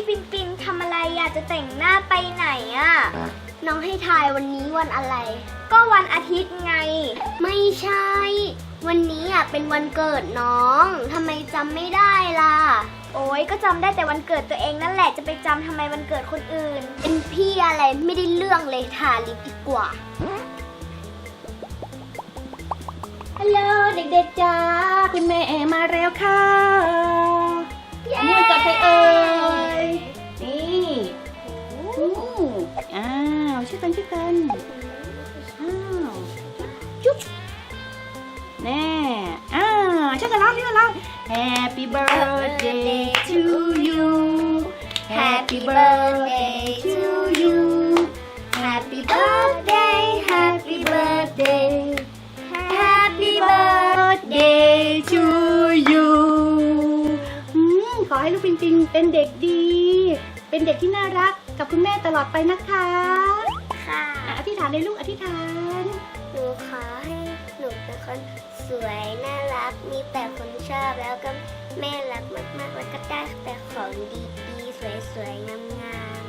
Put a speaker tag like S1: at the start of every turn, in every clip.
S1: ปินปินทำอะไรอยากจะแต่งหน้าไปไหนอะน้องให้ทายวันนี้วันอะไร ก็วันอาทิตย์ไงไม่ใช่วันนี้อะเป็นวันเกิดน้องทำไมจำไม่ได้ล่ะโอ้ยก็จำได้แต่วันเกิดตัวเองนั่นแหละจะไปจำทำไมวันเกิดคนอื่นเป็นพี่อะไรไม่ได้เรื่องเลยทาลิปดีกว่า
S2: ฮัลโหลเด็กๆจ้าคุณแม่มาแล้วค่ะอันนี้มันเกิดใครเอ่ยนี่อ้าวชื่อกันอ้าวจุ๊บแน่ชื่อกันแล้วHappy birthday to you Happy birthday to you
S1: Happy birthday Happy birthday Happy birthday
S2: to you ขอให้ลูกปิงปิงเป็นเด็กดีเป็นเด็กที่น่ารักกับคุณแม่ตลอดไปนะคะ
S1: ค่ะ
S2: อธิษฐานเลยลูกอธิษฐาน
S1: หนูขอให้หนูเป็นคนสวยน่ารักมีแต่คนชอบแล้วก็แม่รักมากๆแล้วก็ได้แต่ของดีๆสวยๆงาม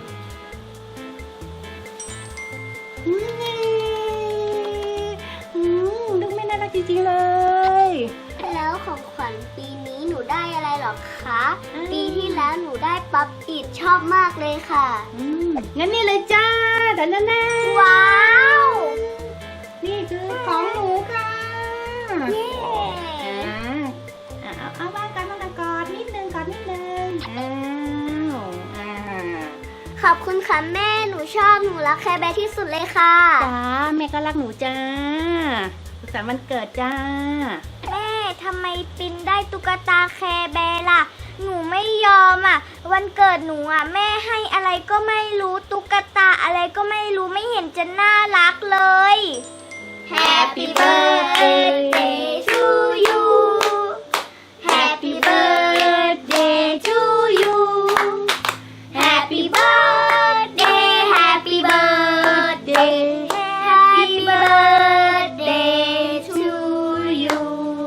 S2: ลูกแม่น่ารักจริงๆเลย
S1: แล้วของขวัญปีนี้หนูได้อะไรหรอคะปีที่แล้วหนูได้ป๊อปอิดชอบมากเลยค่ะ
S2: งั้นนี่เลยจ้าแต่นั่น
S1: ว้าว
S2: นี่คือของหนูค่ะ
S1: เย้
S2: เอาบ้านกันกอดนิดนึง
S1: ขอบคุณค่ะแม่หนูชอบหนูรักแคร์แบร์ที่สุดเลยค่ะ
S2: จ้าแม่ก็รักหนูจ้าสุขสันต์วันเกิดจ้า
S1: แม่ทำไมปินได้ตุ๊กตาแคร์แบร์ล่ะหนูไม่ยอมอ่ะวันเกิดหนูอ่ะแม่ให้อะไรก็ไม่รู้ตุ๊กตาอะไรก็ไม่รู้ไม่เห็นจะน่ารักเลย Happy birthday to you Happy birthday to you Happy birthday Happy birthday Happy birthday to you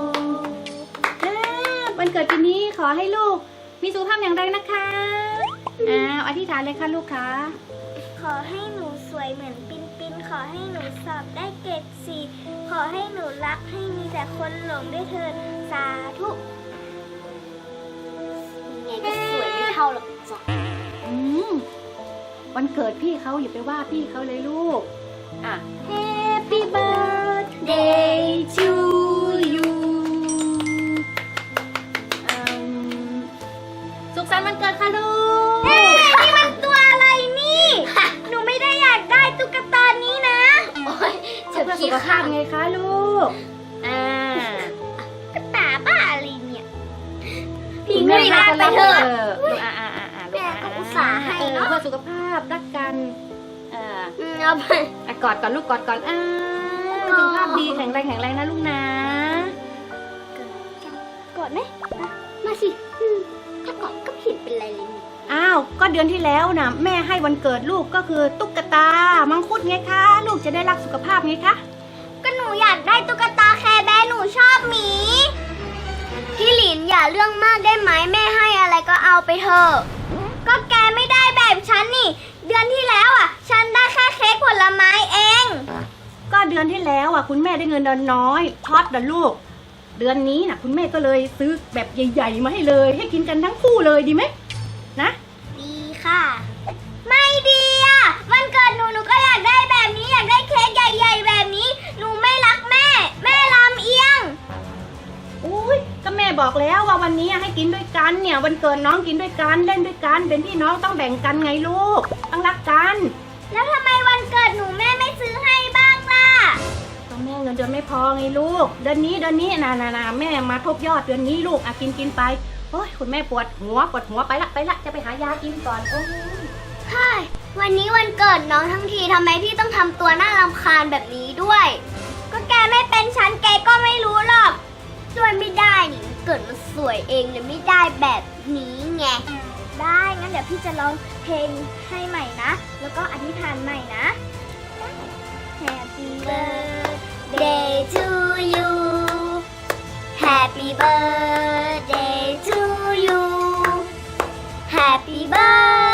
S2: วันเกิดปีนี้ขอให้ลูกมีสุขภาพแข็งแรงนะคะอธิษฐานเลยค่ะลูกค่ะ
S1: ขอให้หนูสวยเหมือนปินปินขอให้หนูสอบได้เกรด4ขอให้หนูรักให้มีแต่คนหลงด้วยเถิดสาธุไงก็สวยไม่เท่าหรอกจ้ะ
S2: วันเกิดพี่เขาอย่าไปว่าพี่เขาเลยลูกHappy birthday to you สุขสันต์วันเกิดค่ะลูก
S1: นี่มันตัวอะไรนี่หนูไม่ได้อยากได้ตุ๊กตานี้นะโอ้ย
S2: เพื่อสุขภาพไงคะลูก
S1: ตุ๊กตาบ้าอะไรเนี่ยพี่ไม่ได้ไปเถอะแม่ก็อุตส่าห์ให้เนาะ
S2: เพื่อสุขภาพรักกัน
S1: เอาไป
S2: กอดก่อนลูกกอดก่อนสุขภาพดีแข็งแรงนะลูกนะ
S1: กอดไหมมาสิถ้ากอดก็ผิดเป็นไรเลย
S2: ก็เดือนที่แล้วนะแม่ให้วันเกิดลูกก็คือตุ๊กตามังคุดไงคะลูกจะได้รักสุขภาพไงคะ
S1: ก็หนูอยากได้ตุ๊กตาแคร์แบร์หนูชอบหมีพี่หลินอย่าเรื่องมากได้ไหมแม่ให้อะไรก็เอาไปเถอะก็แกไม่ได้แบบฉันนี่เดือนที่แล้วฉันได้แค่เค้กผลไม้เอง
S2: ก็เดือนที่แล้วคุณแม่ได้เงินน้อยช็อตนะลูกเดือนนี้นะคุณแม่ก็เลยซื้อแบบใหญ่ๆมาให้เลยให้กินกันทั้งคู่เลยดีไหมนะ
S1: ดีค่ะไม่ดีวันเกิดหนูก็อยากได้แบบนี้อยากได้เค้กใหญ่ๆแบบนี้หนูไม่รักแม่ลำเอียง
S2: ก็แม่บอกแล้วว่าวันนี้ให้กินด้วยกันเนี่ยวันเกิดน้องกินด้วยกันเล่นด้วยกันเป็นพี่น้องต้องแบ่งกันไงลูกต้องรักกัน
S1: แล้วทำไมวันเกิดหนูแม่ไม่ซื้อให้บ้างล่ะ
S2: ก็แม่เงินเดือนไม่พอไงลูกเดือนนี้นะแม่มาทบยอดเดือนนี้ลูกกินไปโอ้ยคุณแม่ปวดหัวไปละจะไปหายากินก่อน
S1: ใช่วันนี้วันเกิดน้องทั้งทีทำไมพี่ต้องทำตัวน่ารำคาญแบบนี้ด้วยก็แกไม่เป็นฉันแกก็ไม่รู้หรอกช่วยไม่ได้นี่เกิดมาสวยเองเลยไม่ได้แบบนี้ไงได้งั้นเดี๋ยวพี่จะร้องเพลงให้ใหม่นะแล้วก็อธิษฐานใหม่นะ Happy birthday to you Happy birthday to you Happy birthday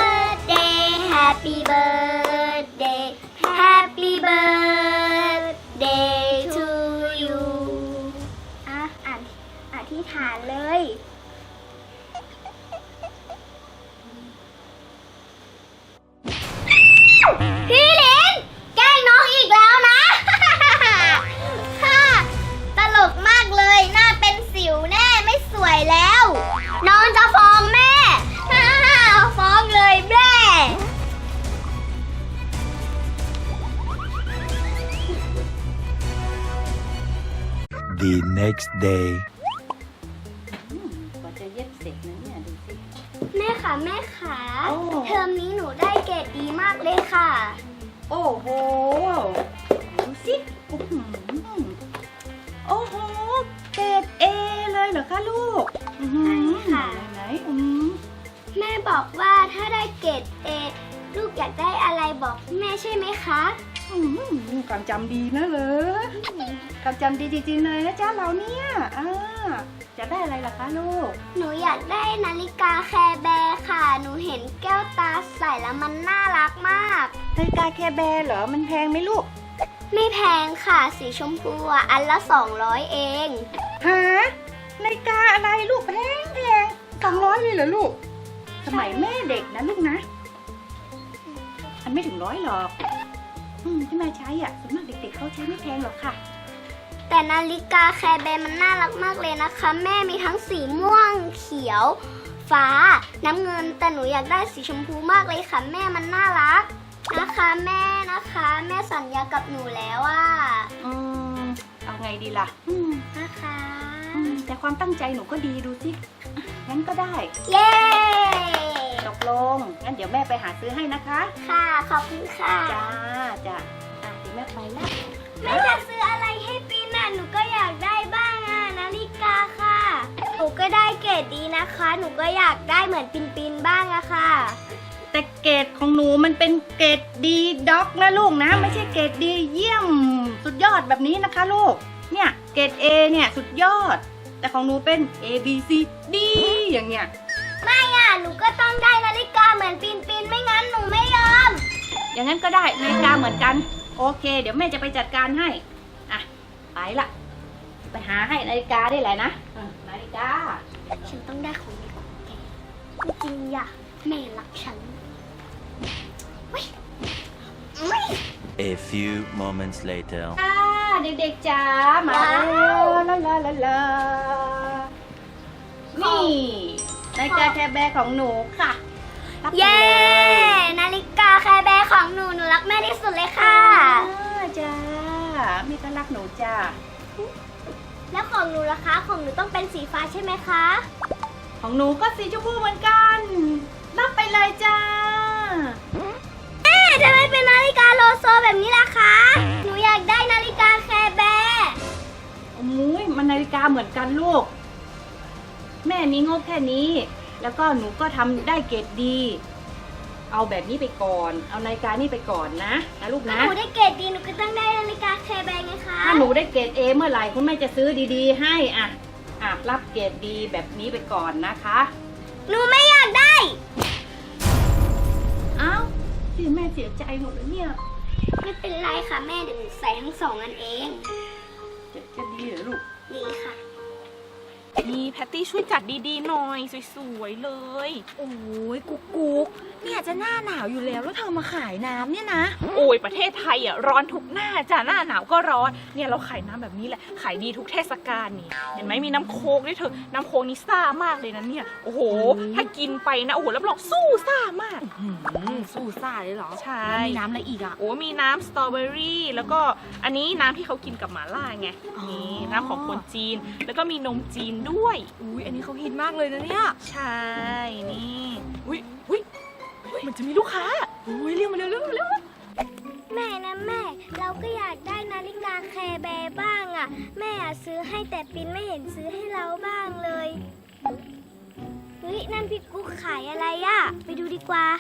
S3: The next day.
S2: กว่าจะเย็บเสร็จนะเนี่ยดูสิ
S1: แม่ค่ะแม่ค่ะ
S2: โอ้
S1: เทอมนี้หนูได้เกรดดีมากเลยค่ะ
S2: โอ้โหดูสิอื้อหือโอ้โหเกรด A เลยเหรอคะลูกอื้อหือ
S1: ใช่ค่ะ
S2: ไหน
S1: แม่บอกว่าถ้าได้เกรดเอลูกอยากได้อะไรบอกแม่ใช่ไหมคะ
S2: ความจำดีนะเหรอความจำดีจริงๆเลยนะจ๊ะเราเนี่ยจะได้อะไรล่ะคะลูก
S1: หนูอยากได้นาฬิกาแคร์แบร์ค่ะ หนูเห็นแก้วตาใส่แล้วมันน่ารักมาก
S2: นาฬิกาแคร์แบร์เหรอมันแพงไหมลูก
S1: ไม่แพงค่ะสีชมพูอ่ะอันละ200เอง
S2: ฮะนาฬิกาอะไรลูกแพง200เลยเหรอลูก สมัยแม่เด็กนะลูกนะมันไม่ถึง100หรอกที่แม่ใช้อ่ะส่วนมากเด็กๆเขาใช้ไม่แพงหรอกค่ะ
S1: แต่นาฬิกาแคร์แบร์มันน่ารักมากเลยนะคะ แม่มีทั้งสีม่วงเขียว ฟ้า น้ำเงินแต่หนูอยากได้สีชมพูมากเลยค่ะแม่มันน่ารักนะคะแม่นะคะ แม่สัญญากับหนูแล้วว่า
S2: เอาไงดีล่ะ
S1: นะคะ
S2: แต่ความตั้งใจหนูก็ดีดูสิงั้นก็ได้
S1: เย้
S2: ตกลงงั้นเดี๋ยวแม่ไปหาซื้อให้นะคะ
S1: ค่ะขอบคุณค่ะ
S2: จ้าเดี๋ยวแม่ไปแล้ว
S1: แม่จะซื้ออะไรให้ปีนอ่ะหนูก็อยากได้บ้างอ่ะนาฬิกาค่ะหนูก็ได้เกรดดีนะคะ หนูก็อยากได้เหมือนปินบ้างอะค่ะ
S2: แต่เกรดของหนูมันเป็นเกรดดีด็อกนะลูกนะ ไม่ใช่เกรดดีเยี่ยมสุดยอดแบบนี้นะคะลูกเนี่ยเกรด A เนี่ยสุดยอด แต่ของหนูเป็น A B C D อย่างเงี้ย
S1: ไม่อ่ะหนูก็ต้องได้นาฬิกาเหมือนปินไม่งั้นหนูไม่ยอม
S2: อย่างนั้นก็ได้นาฬิกาเหมือนกันโอเค เดี๋ยวแม่จะไปจัดการให้ไปละไปหาให้นาฬิกาได้แหละนะนาฬิกา
S1: ฉันต้องได้ของดีของแกจริงๆอ่ะแม่รักฉัน
S3: A few moments later.
S2: เด็กๆจ๋ามาแล้วลานี่นาฬิกาแคร์แบร์ของหนูค่ะรับไป
S1: เย้
S2: เลย
S1: นาฬิกาแคร์แบร์ของหนูรักแม่ที่สุดเลยค่ะ
S2: จ้าแม่ก็รักหนูจ้า
S1: แล้วของหนูล่ะคะของหนูต้องเป็นสีฟ้าใช่ไหมคะ
S2: ของหนูก็สีชมพูเหมือนกัน รับไปเลยจ้า
S1: ทำไมเป็นนาฬิกาโลโซแบบนี้ล่ะคะ หนูอยากได้นาฬิกาแคร์แบร์
S2: โอ้ยมันนาฬิกาเหมือนกันลูก แม่มีงบแค่นี้ แล้วก็หนูก็ทำได้เกรดดี เอาแบบนี้ไปก่อน เอานาฬิกานี่ไปก่อนนะลูกนะ
S1: หนูได้เกรดดีหนูก็ต้องได้นาฬิกาแคร์แบร์ไงคะ
S2: ถ้าหนูได้เกรด A เมื่อไหร่คุณแม่จะซื้อดีๆให้รับเกรดดีแบบนี้ไปก่อนนะคะ
S1: หนูไม่อยากได้
S2: เอ้าที่แม่เสียใจหมดเลยเนี่ย
S1: ไม่เป็นไรค่ะแม่เดี๋ยวหนูใส่ทั้ง2อันเอง
S2: จะดีเหรอลูก
S1: ดีค่ะ
S4: นี่แพตตี้ช่วยจัดดีๆหน่อยสวยๆเลย
S5: โอ้ยกุ๊กกุ๊กเนี่ยจะหน้าหนาวอยู่แล้วแล้วเธอมาขายน้ำเนี่ยนะ
S4: โอ้ยประเทศไทยอ่ะร้อนทุกหน้าจ้ะหน้าหนาวก็ร้อนเนี่ยเราขายน้ำแบบนี้แหละขายดีทุกเทศกาลนี่เห็นไหมมีน้ำโค้กด้วยเธอน้ำโค้กนี่ซ่ามากเลยนะเนี่ยโอ้โหถ้ากินไปนะโอ้โหรับรองสู้ซ่ามาก
S5: สู้ซ่าเลยเหรอ
S4: ใช่
S5: แล้วมีน้ำอะไรอีกอ่ะ
S4: โอ้มีน้ำสตรอเบอรี่แล้วก็อันนี้น้ำที่เขากินกับหม่าล่าไง
S5: อ๋อ
S4: นี่น้ำของคนจีนแล้วก็มีนมจีนด้วย
S5: อุ้ยอันนี้เขาฮิตมากเลยนะเนี่ย
S4: ใช่นี่อุ้ยมันจะมีลูกค้า
S5: อุ้ยเรียกมาเร็วเร็วเร็ว
S1: แม่นะแม่ เราก็อยากได้นาฬิกาแคร์แบร์บ้างอ่ะ แม่อะซื้อให้แต่ปินไม่เห็นซื้อให้เราบ้างเลยเฮ้ยนั่นพี่กุ๊กขายอะไรอ่ะ ไปดูดีกว่า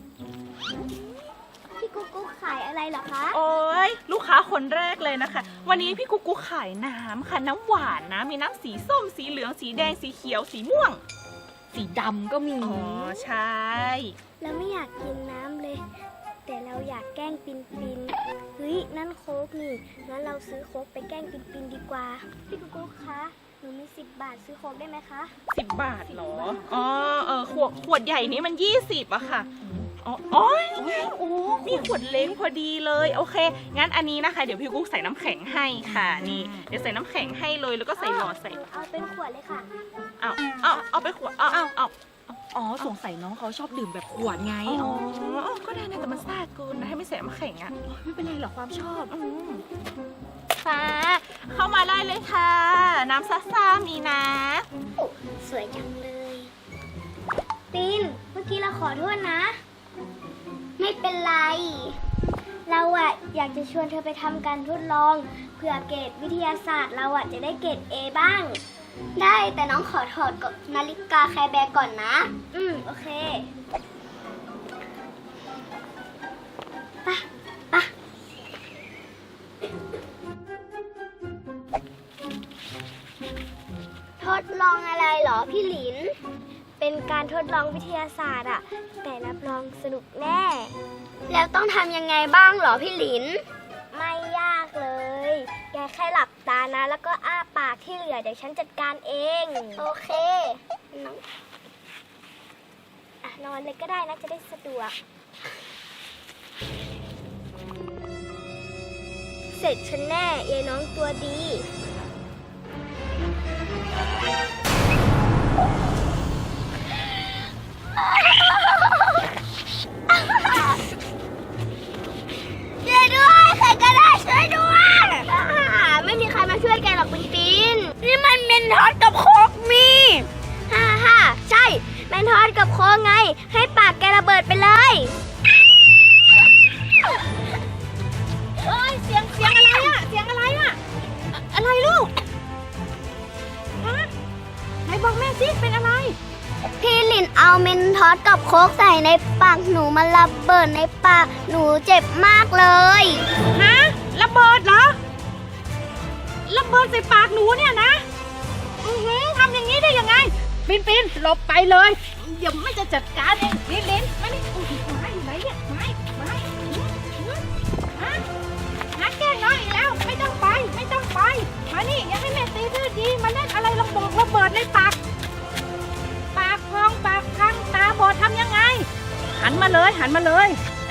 S1: พี่กุ๊กขายอะไรเหรอคะ
S4: โอ้ยลูกค้าคนแรกเลยนะคะ วันนี้พี่กุ๊กขายน้ำค่ะน้ำหวานนะมีน้ำสีส้มสีเหลืองสีแดงสีเขียวสีม่วง
S5: สีดำก็มี
S4: อ๋อใช่
S1: เราไม่อยากกินน้ำเลย แต่เราอยากแกล้งปินเฮ้ยนั่นโค้กนี่งั้นเราซื้อโค้กไปแกล้งปินดีกว่า พี่กุ๊กคะหนูมี10 บาทซื้อโค้กได้ไหมคะ
S4: 10 บาทเหรออ๋อขวดใหญ่นี้มัน20อะค่ะอ๋อนี่ไงโอ้มีขวดเล็กพอดีเลยโอเคงั้นอันนี้นะคะเดี๋ยวพี่กุ๊กใส่น้ำแข็งให้ค่ะนี่เดี๋ยวใส่น้ำแข็งให้เลยแล้วก็ใส่หลอดใส่
S1: เอาเป็นขวดเลยค่ะ
S4: เอาไปขวดเอา
S5: อ๋อสงสัยน้องเขาชอบดื่มแบบขวดไง
S4: อ๋อก็ได้นะแต่มันซ่าเกินนะให้ไม่ใส่น้ำแข็งอะ
S5: ไม่เป็นไรหรอกความชอบ
S4: ฟ้าเข้ามาได้เลยค่ะ น้ำซ่าๆมีนะ
S1: สวยจังเลยปินเมื่อกี้เราขอโทษนะ ไม่เป็นไร เราอะอยากจะชวนเธอไปทำการทดลองเผื่อเกรดวิทยาศาสตร์เราอะจะได้เกรด A บ้าง ได้แต่น้องขอถอดนาฬิกาแคร์แบร์ก่อนนะ โอเคไปทดลองอะไรเหรอพี่หลิน เป็นการทดลองวิทยาศาสตร์อะแต่รับรองสนุกแน่ แล้วต้องทำยังไงบ้างเหรอพี่หลิน ไม่ยากเลย แกแค่หลับตานะ แล้วก็อ้าปากที่เหลือเดี๋ยวฉันจัดการเอง โอเค นอนเลยก็ได้นะจะได้สะดวก เสร็จฉันแน่ยายน้องตัวดีช่วยด้วยใครก็ได้ช่วยด้วยไม่มีใครมาช่วยแกหรอกปินปินนี่มันเมนทอสกับโคกมีฮ่าใช่เมนทอสกับโคกไงให้ปากแกระเบิดไปเลยเอ้ยเสียงอะไรอะเสียงอะไรอะอะไรลูกฮะไหนบอกแม่สิเป็นอะไรพี่หลินเอาเมนทอสกับโคกใส่ในปากหนูมันระเบิดในปากหนูเจ็บมากเลยฮะระเบิดเหรอระเบิดใส่ปากหนูเนี่ยนะทำอย่างนี้ได้ยังไงปินหลบไปเลยเดี๋ยวไม่จะจัดการเองลินมานี่ไม้อยู่ไหนเนี่ยไม้นักแกล้งน้องอีกแล้วไม่ต้องไปมานี่อย่าให้แม่ตีดื้อดีมาเล่นอะไรระเบิดในปากพองปากพังตาบอดทำยังไงหันมาเลยหันมาเลย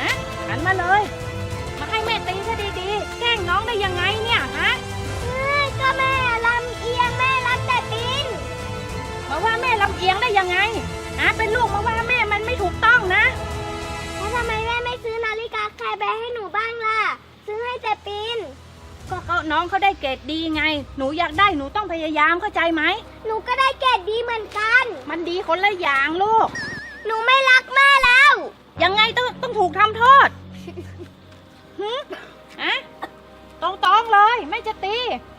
S1: มาให้แม่ตีซะดีๆแกล้งน้องได้ยังไงเนี่ยฮะก็แม่ลำเอียงแม่รักแต่ปินมาว่าแม่ลำเอียงได้ยังไงเป็นลูกมาว่าแม่มันไม่ถูกต้องนะแล้วทำไมแม่ไม่ซื้อนาฬิกาแคร์แบร์ให้หนูบ้างล่ะซื้อให้แต่ปินก็น้องเขาได้เกรดดีไงหนูอยากได้หนูต้องพยายามเข้าใจไหมหนูก็ได้เกรดดีเหมือนกันมันดีคนละอย่างลูกหนูไม่รักแม่แล้วยังไงต้องถูกทำโทษตรงๆเลยไม่จะตี